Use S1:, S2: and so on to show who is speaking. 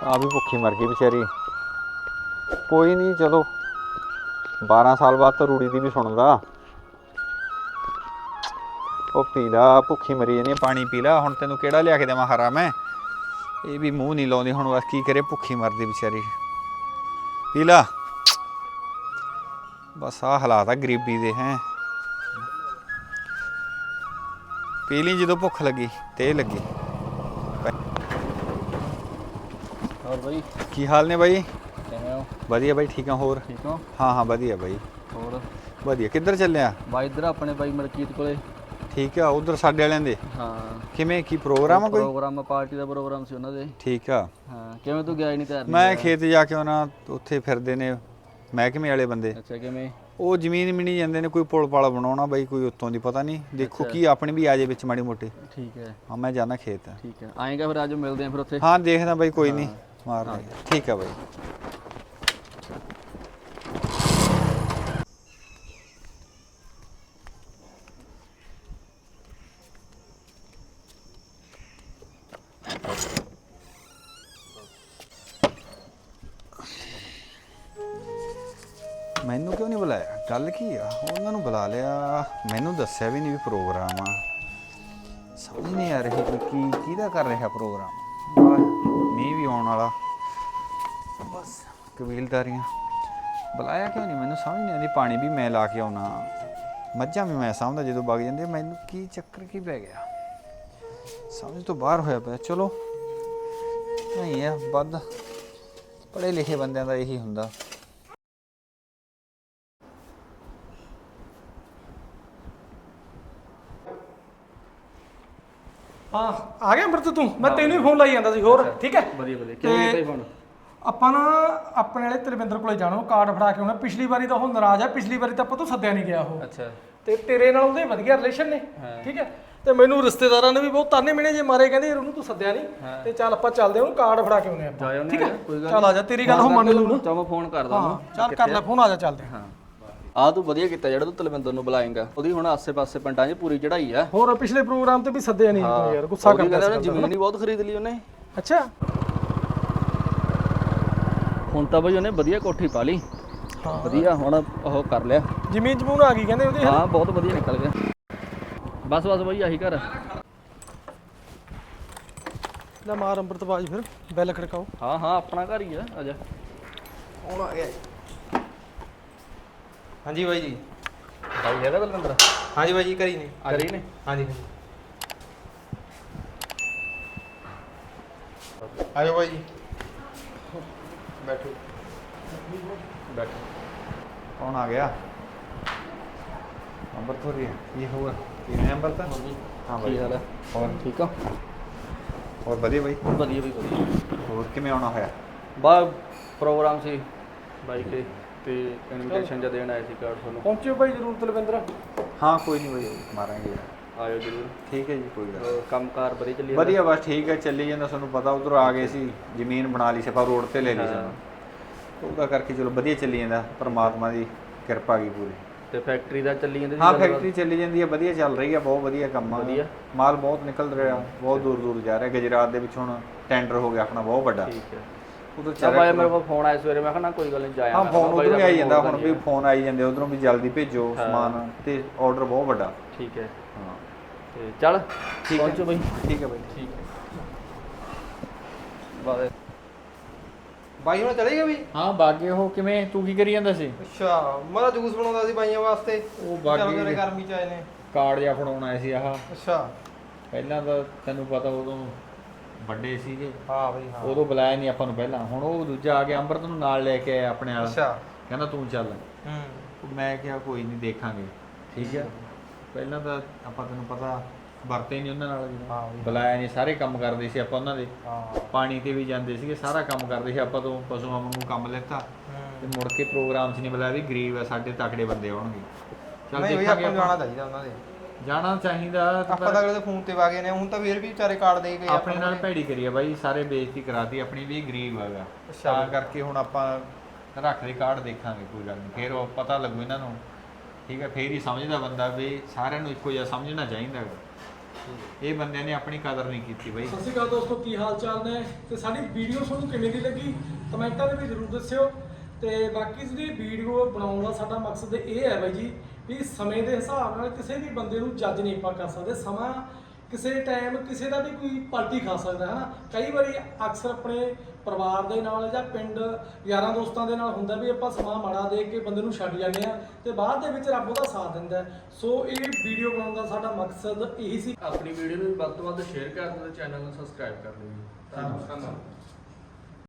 S1: ਆ ਵੀ ਭੁੱਖੀ ਮਰ ਗਈ ਵਿਚਾਰੀ। ਕੋਈ ਨਹੀਂ ਚਲੋ 12 ਸਾਲ ਬਾਅਦ ਤਾਂ ਰੂੜੀ ਦੀ ਵੀ ਸੁਣਦਾ। ਉਹ ਪੀ ਲਾ, ਭੁੱਖੀ ਮਰੀ ਜਾਨੀ, ਪਾਣੀ ਪੀ ਲਾ। ਹੁਣ ਤੈਨੂੰ ਕਿਹੜਾ ਲਿਆ ਕੇ ਦੇਵਾਂ ਹਰਾ ਮੈਂ? ਇਹ ਵੀ ਮੂੰਹ ਨਹੀਂ ਲਾਉਂਦੀ ਹੁਣ, ਬਸ ਕੀ ਕਰੇ, ਭੁੱਖੀ ਮਰਦੀ ਵਿਚਾਰੀ। ਪੀ ਲਾ। ਬਸ ਆਹ ਹਾਲਾਤ ਆ ਗਰੀਬੀ ਦੇ। ਹੈਂ ਪੀ ਲਈ ਜਦੋਂ ਭੁੱਖ ਲੱਗੀ ਤੇ ਲੱਗੀ।
S2: ਹੋਰ ਬਾਈ
S1: ਕੀ ਹਾਲ ਨੇ ਬਾਈ?
S2: ਕਿਵੇਂ ਹੋ?
S1: ਵਧੀਆ ਬਾਈ, ਠੀਕ ਆ। ਹੋਰ
S2: ਠੀਕ ਹੋ?
S1: ਹਾਂ ਵਧੀਆ ਬਾਈ,
S2: ਹੋਰ
S1: ਵਧੀਆ। ਕਿੱਧਰ ਚੱਲਿਆ?
S2: ਬਾਈ ਇੱਧਰ ਆਪਣੇ ਬਾਈ ਮਲਕੀਤ ਕੋਲੇ।
S1: ਠੀਕ ਆ, ਉਧਰ ਸਾਡੇ ਵਾਲਿਆਂ ਦੇ।
S2: ਹਾਂ
S1: ਕਿਵੇਂ, ਕੀ ਪ੍ਰੋਗਰਾਮ ਆ ਕੋਈ?
S2: ਪ੍ਰੋਗਰਾਮ ਪਾਰਟੀ ਦਾ ਪ੍ਰੋਗਰਾਮ ਸੀ ਉਹਨਾਂ ਦੇ।
S1: ਠੀਕ ਆ।
S2: ਹਾਂ ਕਿਵੇਂ ਤੂੰ ਗਿਆ ਹੀ ਨਹੀਂ ਤਿਆਰ?
S1: ਮੈਂ ਖੇਤ ਜਾ ਕੇ ਆਉਣਾ, ਉੱਥੇ ਫਿਰਦੇ ਨੇ ਮਹਿਕਮੇ ਵਾਲੇ ਬੰਦੇ।
S2: ਅੱਛਾ ਕਿਵੇਂ?
S1: ਉਹ ਜ਼ਮੀਨ ਮਿਣੀ ਜਾਂਦੇ ਨੇ, ਕੋਈ ਪੁਲ ਪਾਲ ਬਣਾਉਣਾ ਬਾਈ, ਕੋਈ ਉੱਤੋਂ ਦੀ ਪਤਾ ਨਹੀਂ। ਦੇਖੋ ਕੀ ਆਪਣੀ ਵੀ ਆ ਜੇ ਵਿੱਚ ਮਾੜੀ ਮੋਟੀ।
S2: ਠੀਕ ਹੈ।
S1: ਹਾਂ ਮੈਂ ਜਾਣਾ ਖੇਤ।
S2: ਠੀਕ ਹੈ, ਆਏਗਾ ਫਿਰ ਅੱਜ ਮਿਲਦੇ ਆਂ ਫਿਰ ਉੱਥੇ।
S1: ਹਾਂ ਦੇਖਦਾ ਬਾਈ, ਕੋਈ ਨਹੀਂ ਮਾਰਦਾ। ਠੀਕ ਆ ਬਾਈ। ਮੈਨੂੰ ਕਿਉਂ ਨਹੀਂ ਬੁਲਾਇਆ? ਗੱਲ ਕੀ ਆ? ਉਹਨਾਂ ਨੂੰ ਬੁਲਾ ਲਿਆ, ਮੈਨੂੰ ਦੱਸਿਆ ਵੀ ਨਹੀਂ ਵੀ ਪ੍ਰੋਗਰਾਮ ਆ। ਸਮਝ ਨਹੀਂ ਆ ਰਹੀ ਕੋਈ ਕਿਹਦਾ ਕਰ ਰਿਹਾ ਪ੍ਰੋਗਰਾਮ। ਮੀਂਹ ਵੀ ਆਉਣ ਵਾਲਾ, ਬਸ ਕਬੀਲਦਾਰੀਆਂ। ਬੁਲਾਇਆ ਕਿਉਂ ਨਹੀਂ ਮੈਨੂੰ ਸਮਝ ਨਹੀਂ ਆਉਂਦੀ। ਪਾਣੀ ਵੀ ਮੈਂ ਲਾ ਕੇ ਆਉਣਾ, ਮੱਝਾਂ ਵੀ ਮੈਂ ਸਾਂਭਦਾ ਜਦੋਂ ਵਗ ਜਾਂਦੇ। ਮੈਨੂੰ ਕੀ ਚੱਕਰ ਕੀ ਪੈ ਗਿਆ, ਸਮਝ ਤੋਂ ਬਾਹਰ ਹੋਇਆ ਪਿਆ। ਚਲੋ ਨਹੀਂ ਆ, ਵੱਧ ਪੜ੍ਹੇ ਲਿਖੇ ਬੰਦਿਆਂ ਦਾ ਇਹੀ ਹੁੰਦਾ।
S3: ਹਾਂ ਆ ਗਿਆ ਅੰਮ੍ਰਿਤ ਤੂੰ? ਮੈਂ ਤੈਨੂੰ ਹੀ ਫੋਨ ਲਾਈ ਜਾਂਦਾ ਸੀ। ਹੋਰ ਠੀਕ ਹੈ?
S2: ਵਧੀਆ ਵਧੀਆ। ਕਿਵੇਂ ਕੀਤਾ ਫੋਨ?
S3: ਆਪਾਂ ਨਾ ਆਪਣੇ ਵਾਲੇ ਤਲਵਿੰਦਰ ਕੋਲੇ ਜਾਣਾ, ਉਹ ਕਾਰਡ ਫੜਾ ਕੇ ਆਉਣਾ। ਪਿਛਲੀ ਵਾਰੀ ਤਾਂ ਉਹ ਨਾਰਾਜ਼ ਆ, ਪਿਛਲੀ ਵਾਰੀ ਤਾਂ ਆਪਾਂ ਤੋਂ ਸੱਦਿਆ ਨਹੀਂ ਗਿਆ ਉਹ।
S2: ਅੱਛਾ।
S3: ਤੇ ਤੇਰੇ ਨਾਲ ਉਹਦੇ ਵਧੀਆ ਰਿਲੇਸ਼ਨ ਨੇ, ਠੀਕ ਹੈ? ਤੇ ਮੈਨੂੰ ਰਿਸ਼ਤੇਦਾਰਾਂ ਨੇ ਵੀ ਬਹੁਤ ਤਾਨੇ ਮਿਹਣੇ ਜੇ ਮਾਰੇ, ਕਹਿੰਦੇ ਯਾਰ ਉਹਨੂੰ ਤੂੰ ਸੱਦਿਆ ਨਹੀਂ। ਤੇ ਚੱਲ ਆਪਾਂ ਚੱਲਦੇ ਹਾਂ, ਉਹਨੂੰ ਕਾਰਡ ਫੜਾ ਕੇ ਆਉਨੇ ਆਪਾਂ, ਠੀਕ ਹੈ? ਚੱਲ ਆ ਜਾ, ਤੇਰੀ ਗੱਲ ਉਹ ਮੰਨ ਲੂ ਨਾ।
S2: ਚਲ ਮੈਂ ਫੋਨ ਕਰਦਾ ਉਹਨੂੰ।
S3: ਚੱਲ ਕਰ ਲੈ ਫੋਨ, ਆ ਜਾ ਚੱਲਦੇ ਹਾਂ।
S2: ਆ ਤੂੰ ਵਧੀਆ ਕੀਤਾ ਜਿਹੜਾ ਤੂੰ ਤਲਵਿੰਦਰ ਨੂੰ ਬੁਲਾਏਂਗਾ। ਉਹਦੀ ਹੁਣ ਆਸੇ-ਪਾਸੇ ਪਿੰਡਾਂ 'ਚ ਪੂਰੀ ਚੜਾਈ ਆ।
S3: ਹੋਰ ਪਿਛਲੇ ਪ੍ਰੋਗਰਾਮ ਤੇ ਵੀ ਸੱਦਿਆ ਨਹੀਂ ਤੂੰ ਯਾਰ, ਗੁੱਸਾ ਕਰਦਾ ਸੀ।
S2: ਉਹਨੇ ਜ਼ਮੀਨ ਹੀ ਬਹੁਤ ਖਰੀਦ ਲਈ ਉਹਨੇ।
S3: ਅੱਛਾ।
S2: ਹੁਣ ਤਾਂ ਬਈ ਉਹਨੇ ਵਧੀਆ ਕੋਠੀ ਪਾ ਲਈ।
S3: ਹਾਂ
S2: ਵਧੀਆ, ਹੁਣ ਉਹ ਕਰ ਲਿਆ।
S3: ਜ਼ਮੀਨ ਜਮੂਨ ਆ ਗਈ ਕਹਿੰਦੇ ਉਹਦੀ।
S2: ਹਾਂ ਬਹੁਤ ਵਧੀਆ ਨਿਕਲ ਗਿਆ। ਬਸ ਬਸ ਬਈ ਆਹੀ ਘਰ।
S3: ਲੈ ਮਾਰ ਅੰਮ੍ਰਿਤਬਾਜ, ਫਿਰ ਬੈਲ ਖੜਕਾਓ।
S2: ਹਾਂ ਹਾਂ ਆਪਣਾ ਘਰ ਹੀ ਆ। ਆ ਜਾ।
S3: ਹੁਣ ਆ ਗਿਆ। ਹਾਂਜੀ ਬਾਈ ਜੀ।
S2: ਭਾਈ ਹੈਗਾ ਬਲਵਿੰਦਰ?
S3: ਹਾਂਜੀ ਬਾਈ ਜੀ, ਕਰੀ ਨੇ।
S2: ਕਰੀ ਨੇ?
S3: ਹਾਂਜੀ ਆਜੋ ਬਾਈ ਜੀ, ਬੈਠੋ
S2: ਬੈਠੋ।
S1: ਕੌਣ ਆ ਗਿਆ? ਅੰਬਰ ਹੋ ਰਹੀ ਹੈ। ਕੀ ਹੋਇਆ? ਕਿਵੇਂ ਅੰਬਰ ਤਾਂ? ਹਾਂ
S2: ਕੀ ਹਾਲ ਹੈ?
S1: ਹੋਰ
S2: ਠੀਕ ਆ?
S1: ਹੋਰ ਵਧੀਆ ਬਾਈ।
S2: ਵਧੀਆ ਬਈ ਵਧੀਆ।
S1: ਹੋਰ ਕਿਵੇਂ ਆਉਣਾ ਹੋਇਆ?
S2: ਬਾ ਪ੍ਰੋਗਰਾਮ ਸੀ ਬਾਈ ਤੇ ਇਨਵੀਟੇਸ਼ਨ ਜਿਹਾ ਦੇਣ ਆਏ ਸੀ ਕਾਰਡ ਤੁਹਾਨੂੰ।
S3: ਪਹੁੰਚਿਓ ਭਾਈ ਜ਼ਰੂਰ ਤਲਵਿੰਦਰ।
S1: ਹਾਂ ਕੋਈ ਨਹੀਂ ਬਾਈ, ਮਾਰਾਂਗੇ।
S2: ਆਇਓ ਜ਼ਰੂਰ।
S1: ਠੀਕ ਹੈ ਜੀ, ਕੋਈ ਗੱਲ।
S2: ਕੰਮਕਾਰ ਵਧੀਆ ਚੱਲੀ
S1: ਵਧੀਆ ਬਸ ਠੀਕ ਹੈ, ਚੱਲੀ ਜਾਂਦਾ। ਤੁਹਾਨੂੰ ਪਤਾ ਉਧਰੋਂ ਆ ਗਏ ਸੀ, ਜ਼ਮੀਨ ਬਣਾ ਲਈ ਸੀ ਆਪਾਂ, ਰੋਡ ਤੇ ਲੈ ਲਈ ਸੀ। ਉਹਦਾ ਕਰਕੇ ਚਲੋ ਵਧੀਆ ਚੱਲੀ ਜਾਂਦਾ, ਪਰਮਾਤਮਾ ਦੀ ਕਿਰਪਾ ਗਈ ਪੂਰੀ।
S2: ਤੇ ਫੈਕਟਰੀ ਦਾ ਚੱਲੀ ਜਾਂਦੀ?
S1: ਹਾਂ ਫੈਕਟਰੀ ਚੱਲੀ ਜਾਂਦੀ ਹੈ, ਵਧੀਆ ਚੱਲ ਰਹੀ ਹੈ, ਬਹੁਤ ਵਧੀਆ ਕੰਮ ਆ।
S2: ਵਧੀਆ
S1: ਮਾਲ ਬਹੁਤ ਨਿਕਲ ਰਿਹਾ, ਬਹੁਤ ਦੂਰ ਦੂਰ ਜਾ ਰਿਹਾ। ਗੁਜਰਾਤ ਦੇ ਵਿੱਚ ਹੁਣ ਟੈਂਡਰ ਹੋ ਗਿਆ ਆਪਣਾ ਬਹੁਤ ਵੱਡਾ।
S2: ਠੀਕ ਹੈ।
S1: ਉਧਰ
S2: ਚੱਲ ਬਾਈ ਮੇਰੇ ਕੋਲ ਫੋਨ ਆਇਆ ਸਵੇਰੇ, ਮੈਂ ਕਿਹਾ ਨਾ ਕੋਈ ਗੱਲ ਨਹੀਂ ਜਾਇਆ।
S1: ਹਾਂ ਫੋਨ ਉਧਰੋਂ ਵੀ ਆਈ ਜਾਂਦਾ, ਹੁਣ ਵੀ ਫੋਨ ਆਈ ਜਾਂਦੇ ਉਧਰੋਂ ਵੀ, ਜਲਦੀ ਭੇਜੋ ਸਮਾਨ, ਤੇ ਆਰਡਰ ਬਹੁਤ ਵੱਡਾ।
S2: ਠੀਕ ਹੈ।
S1: ਹਾਂ
S2: ਤੇ ਚੱਲ
S1: ਠੀਕ ਹੈ।
S2: ਪਹੁੰਚੋ ਬਾਈ।
S1: ਠੀਕ ਹੈ ਬਾਈ।
S2: ਠੀਕ ਹੈ। ਬਾਏ
S3: ਬਾਈ ਹੁਣ ਚਲੇ ਗਏ ਵੀ?
S1: ਹਾਂ ਬਾਗੇ। ਉਹ ਕਿਵੇਂ, ਤੂੰ ਕੀ ਕਰੀ ਜਾਂਦਾ ਸੀ?
S3: ਅੱਛਾ, ਮੈਂ ਤਾਂ ਜੂਸ ਬਣਾਉਂਦਾ ਸੀ ਬਾਈਆਂ ਵਾਸਤੇ।
S1: ਉਹ ਬਾਗੇ
S3: ਗਰਮੀ ਚ ਆਏ ਨੇ।
S1: ਕਾਰਡ ਜਿਹਾ ਫੜਾਉਣ ਆਏ ਸੀ। ਆਹ
S3: ਅੱਛਾ।
S1: ਪਹਿਲਾਂ ਤਾਂ ਤੈਨੂੰ ਪਤਾ ਉਦੋਂ ਵੱਡੇ ਸੀਗੇ,
S3: ਹਾਂ ਬਈ ਹਾਂ।
S1: ਉਦੋਂ ਬੁਲਾਇਆ ਨਹੀਂ ਆਪਾਂ ਨੂੰ ਪਹਿਲਾਂ। ਹੁਣ ਉਹ ਦੂਜਾ ਆ ਗਿਆ, ਅੰਮ੍ਰਿਤ ਨੂੰ ਨਾਲ ਲੈ ਕੇ ਆਇਆ ਆਪਣੇ ਵਾਲਾ।
S3: ਅੱਛਾ।
S1: ਕਹਿੰਦਾ ਤੂੰ ਚੱਲ।
S3: ਹੂੰ।
S1: ਮੈਂ ਕਿਹਾ ਕੋਈ ਨਹੀਂ ਦੇਖਾਂਗੇ। ਠੀਕ ਹੈ। ਪਹਿਲਾਂ ਤਾਂ ਆਪਾਂ ਤੈਨੂੰ ਪਤਾ ਵਰਤੇ ਨਹੀਂ ਉਹਨਾਂ ਨਾਲ, ਬੁਲਾਇਆ ਨਹੀਂ। ਸਾਰੇ ਕੰਮ ਕਰਦੇ ਸੀ ਆਪਾਂ ਉਹਨਾਂ ਦੇ, ਪਾਣੀ ਤੇ ਵੀ ਜਾਂਦੇ ਸੀਗੇ, ਸਾਰਾ ਕੰਮ ਕਰਦੇ ਸੀ ਆਪਾਂ ਤੋਂ। ਪਸ਼ੂਆਂ ਨੂੰ ਕੰਮ ਲੈਤਾ ਤੇ ਮੁੜ ਕੇ ਪ੍ਰੋਗਰਾਮ 'ਚ ਨਹੀਂ ਬੁਲਾਇਆ ਵੀ ਗਰੀਬ ਆ ਸਾਡੇ, ਤਕੜੇ ਬੰਦੇ ਆਉਣਗੇ। ਚੱਲ ਦੇਖਾਂਗੇ। ਆਪਾਂ
S3: ਜਾਣਾ ਚਾਹੀਦਾ ਉਹਨਾਂ ਦੇ,
S1: ਜਾਣਾ ਚਾਹੀਦਾ।
S3: ਆਪਾਂ ਤਾਂ ਅਗਲੇ ਦੇ ਫੋਨ ਤੇ ਵਾਗੇ ਨੇ, ਹੁਣ ਤਾਂ ਫੇਰ ਵੀ ਵਿਚਾਰੇ ਕਾਰਡ ਦੇ ਗਏ।
S1: ਆਪਣੇ ਨਾਲ ਭੈੜੀ ਕਰੀ ਆ ਬਾਈ, ਸਾਰੇ ਬੇਇੱਜ਼ਤੀ ਕਰਾਤੀ ਆਪਣੀ ਵੀ। ਗਰੀਬ ਹੈਗਾ ਤਾਂ ਕਰਕੇ ਹੁਣ ਆਪਾਂ ਰੱਖਦੇ ਕਾਰਡ, ਦੇਖਾਂਗੇ ਕੋਈ ਗੱਲ ਨਹੀਂ। ਫੇਰ ਉਹ ਪਤਾ ਲੱਗੂ ਇਹਨਾਂ ਨੂੰ, ਠੀਕ ਹੈ? ਫੇਰ ਹੀ ਸਮਝਦਾ ਬੰਦਾ ਵੀ ਸਾਰਿਆਂ ਨੂੰ ਇੱਕੋ ਜਿਹਾ ਸਮਝਣਾ ਚਾਹੀਦਾ ਹੈਗਾ। ਇਹ ਬੰਦਿਆਂ ਨੇ ਆਪਣੀ ਕਦਰ ਨਹੀਂ ਕੀਤੀ ਬਾਈ।
S3: ਸਤਿ ਸ਼੍ਰੀ ਅਕਾਲ ਦੋਸਤੋ, ਕੀ ਹਾਲ ਚਾਲ ਨੇ? ਤੇ ਸਾਡੀ ਵੀਡੀਓ ਤੁਹਾਨੂੰ ਕਿਵੇਂ ਦੀ ਲੱਗੀ ਕਮੈਂਟਾਂ ਦੇ ਵਿੱਚ ਜ਼ਰੂਰ ਦੱਸਿਓ। ਤੇ ਬਾਕੀ ਜਿਹੜੀ ਵੀਡੀਓ ਬਣਾਉਣ ਦਾ ਸਾਡਾ ਮਕਸਦ ਇਹ ਹੈ ਬਾਈ ਜੀ ਵੀ ਸਮੇਂ ਦੇ ਹਿਸਾਬ ਨਾਲ ਕਿਸੇ ਵੀ ਬੰਦੇ ਨੂੰ ਜੱਜ ਨਹੀਂ ਆਪਾਂ ਕਰ ਸਕਦੇ। ਸਮਾਂ ਕਿਸੇ ਟਾਈਮ ਕਿਸੇ ਦਾ ਵੀ ਕੋਈ ਪਾਰਟੀ ਖਾ ਸਕਦਾ ਹੈ ਨਾ। ਕਈ ਵਾਰੀ ਅਕਸਰ ਆਪਣੇ ਪਰਿਵਾਰ ਦੇ ਨਾਲ ਜਾਂ ਪਿੰਡ ਯਾਰਾਂ ਦੋਸਤਾਂ ਦੇ ਨਾਲ ਹੁੰਦਾ ਵੀ ਆਪਾਂ ਸਮਾਂ ਮਾੜਾ ਦੇਖ ਕੇ ਬੰਦੇ ਨੂੰ ਛੱਡ ਜਾਂਦੇ ਆ ਤੇ ਬਾਅਦ ਦੇ ਵਿੱਚ ਰੱਬ ਉਹਦਾ ਸਾਥ ਦਿੰਦਾ। ਸੋ ਇਹ ਵੀਡੀਓ ਬਣਾਉਣ ਦਾ ਸਾਡਾ ਮਕਸਦ ਇਹੀ ਸੀ।
S2: ਆਪਣੀ ਵੀਡੀਓ ਨੂੰ ਵੱਧ ਤੋਂ ਵੱਧ ਸ਼ੇਅਰ ਕਰ ਦਿਓ ਤੇ ਚੈਨਲ ਨੂੰ ਸਬਸਕ੍ਰਾਈਬ ਕਰ ਦਿਓ ਜੀ। ਧੰਨਵਾਦ।